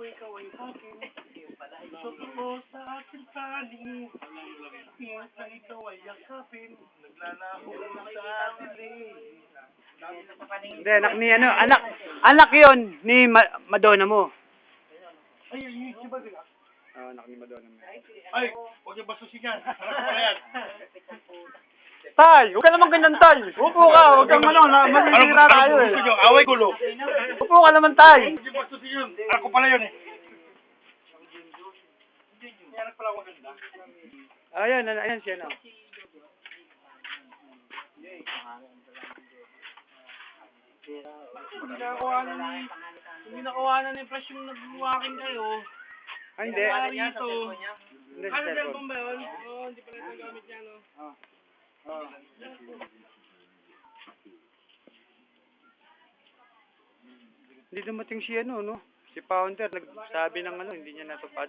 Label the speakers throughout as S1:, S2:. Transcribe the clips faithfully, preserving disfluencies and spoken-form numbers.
S1: ko ikaw ay akin. Totoo sa aking panig. Tingin na ikaw ay yakapin. Naglalako sa dilim.
S2: Hindi, anak ni ano, anak, anak yon ni Ma Madonna mo.
S1: Ay, ay, si Bagla.
S2: Oo, anak ni Madonna mo.
S1: Ay, huwag yung basusin yan. Anak ko pala yan.
S2: Tay, huwag ka naman ganyan, Tay. Upo ka, huwag kang ano, na, masisira tayo eh.
S1: Gusto nyo? Away gulo.
S2: Upo ka naman, Tay.
S1: Huwag yung basusin yun. Anak ko pala yun eh. Anak pala maganda.
S2: Ayan, ayan, ayan siya, no.
S1: Hindi nakakuha na ni... Hindi nakakuha na ni Fresh yung nag-walking kayo.
S2: Ay, hindi.
S1: Kaya rito.
S2: Hindi,
S1: Ano
S2: sa
S1: cellphone ba yun? Oo, hindi pala ito gamit niya, no?
S2: Oh. Oh. Hindi dumating si ano, no? Si Founder, nagsabi ng ano, hindi niya natupad.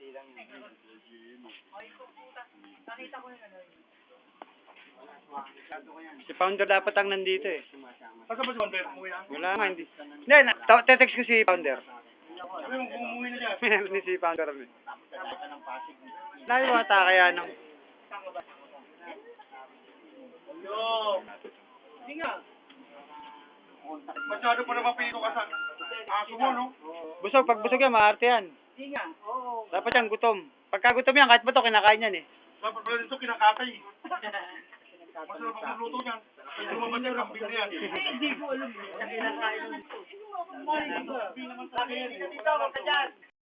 S2: Si Founder dapat ang nandito eh.
S1: Asa ba si Founder? Umuwi na?
S2: Wala nga, hindi. Hindi, na- ta- te-text ko si Founder.
S1: Sabi mo kung umuwi na dyan.
S2: Meron ni si Founder. Layo ata kaya nang...
S1: Yo! Hindi nga. Masyado pa naman pili ko ka sa aso mo, no?
S2: Busog, pag busog yan, maarte yan.
S1: Hindi nga. Oo.
S2: Dapat yan, gutom. Pagka gutom yan, kahit ba ito, kinakain yan eh.
S1: Dapat pala dito kinakatay. Masarap ang magluto niyan. Pag lumabas yan, kambing na yan. Hindi ko alam. Kinakain. Hindi naman sa akin. Dito, wag ka dyan.